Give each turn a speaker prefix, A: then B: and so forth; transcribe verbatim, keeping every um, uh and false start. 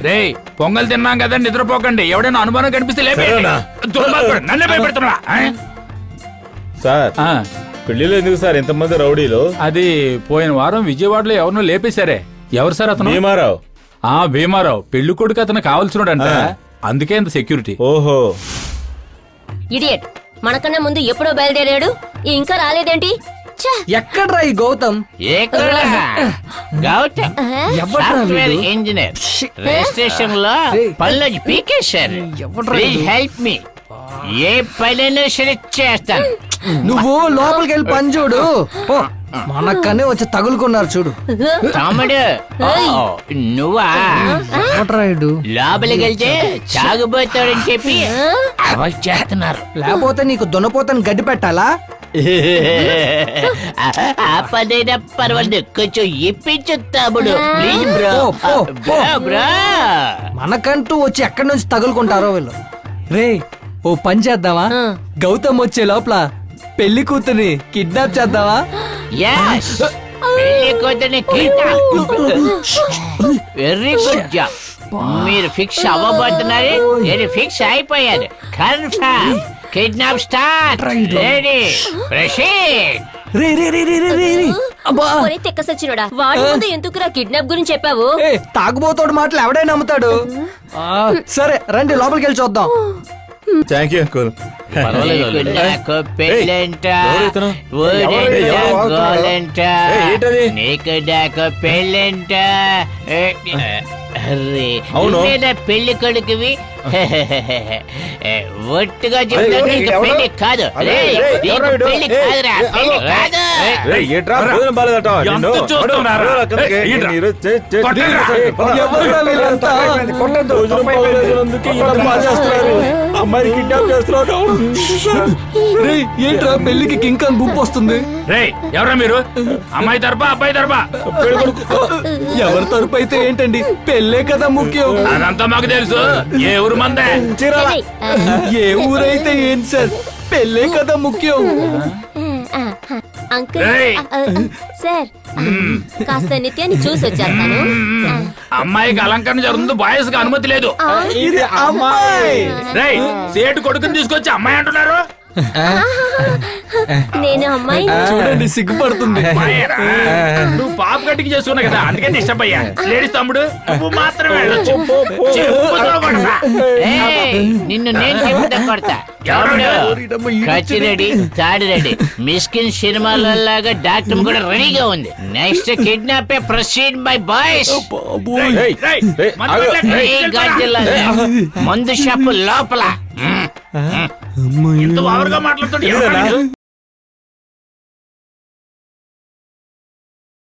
A: రే పొంగల్ తిన్నాం కదా నిద్రపోకండి. ఎవడైనా అనుమానం కనిపిస్తే నన్నే భయపెడుతున్నా.
B: సార్ పెళ్లిలో ఎందుకు సార్ ఎంతమంది రౌడీలు?
A: అది పోయిన వారం విజయవాడలో ఎవరినో లేపేశారే. ఎవరు సార్ అతను?
B: భీమారావు.
A: ఆ భీమారావు పెళ్లి కొడుకు అతను కావాల్సినోడంట, అందుకే ఇంత సెక్యూరిటీ.
B: ఓహో
C: ఇడియట్, మనకన్నా ముందు ఎప్పుడో బయలుదేరాడు, ఇంకా రాలేదేంటి?
D: ఎక్కడ్రా ఈ Gautam?
E: Gautam software engineer registration లో పనులు పీకేశారు. Please help me. ఏ పనైనా సరే చేస్తాను.
D: నువ్వు లోపలికి వెళ్ళి పని చూడు. మనకనే వచ్చి తగులుకున్నారు చూడు.
E: తమ్ముడు నువ్వా? లోపలికి వెళ్తే తాగుబోతాడని చెప్పి అవాయిడ్ చేస్తున్నారు.
D: లేకపోతే నీకు దున్నపోతని గడ్డి పెట్టాలా?
E: ఆ పదైనా పర్వాలేదు, కొంచెం ఇప్పించు తమ్ముడు ప్లీజ్ బ్రో. బ్రో
D: మనకంటూ వచ్చి ఎక్కడి నుంచి తగులుకుంటారో వీళ్ళు. రే ఓ పని చేద్దామా? గౌతమ్ వచ్చే లోపల పెళ్లి కూతుని కిడ్నాప్ చేద్దామా?
E: yes పెళ్లి కూతుర్ని కిడ్నాప్. Very good job. మీరు ఫిక్స్ అవ్వబోతున్నారు, నేను ఫిక్స్ అయిపోయాను. Confirm. Kidnap start. Ready proceed.
D: రే రే రే రే రే రే అబ్బా,
C: ఒరే తెక్క సచ్చినోడా, వాడి ముందు ఎందుకురా కిడ్నాప్ గురించి చెప్పావు?
D: ఏ తాగుబోతోడు మాటలు ఎవడైనా నమ్ముతాడు. ఆ, సరే రండి లోపలికి వెళ్ళి చూద్దాం.
B: Thank you uncle.
E: నాకు పెళ్ళంట, గోలంట, నీకు నాకు పెళ్ళంట. అరే పెళ్లి కొడుకువి ఒట్టుగా చెప్తాను, నీకు పెళ్లి కాదు. పెళ్లి కాదురా, పెళ్లి కాదు.
B: అమ్మాయి కిడ్నాప్ చేస్తున్నాడు.
D: ఏంట్రా పెళ్లికి కింగ్ గుంపు వస్తుంది?
A: రే ఎవరా మీరు? అమ్మాయి తరపా అబ్బాయి తరపా?
D: ఎవరి తరపు అయితే ఏంటండి, పెళ్ళే కదా ముఖ్యం.
A: అదంతా మాకు తెలుసు. ఏ ఊరు మందే?
D: ఏ ఊరైతే ఏంటి సార్, పెళ్ళే కదా ముఖ్యం.
C: అంకుల్ సార్, కాస్త నిత్యాన్ని చూసి వచ్చేస్తాను.
A: అమ్మాయికి అలంకరణ జరుగుతుంది, బాయ్స్ కి అనుమతి లేదు.
D: ఇది అమ్మాయి.
A: రేయ్ సేటు కొడుకుని తీసుకొచ్చి అమ్మాయి అంటున్నారు.
C: నేను అమ్మాయి.
D: చూడండి సిగ్గుపడుతుంది.
A: అమ్మాయేరా? నువ్వు పాప గట్టికి చేసుకున్నావు కదా, అందుకే డిస్టర్బ్ అయ్యా. లేడీస్ తమ్ముడు నువ్వు మాత్రమే వెళ్ళొచ్చు. చెప్పుతో కొడతా.
E: ఏయ్, నిన్ను నేను చెప్పుతా కొడతా. కత్తి రెడీ, తాడి రెడీ. మిస్కిన్ సినిమాలలాగా డాక్టర్ కూడా రెడీగా ఉంది. Next kidnap proceed bye boys.
A: రేయ్, రేయ్, మందు కొట్టలే.
E: మందు షాపు లోపల
A: ఇంత ఓవర్గా మాట్లాడుతుంటే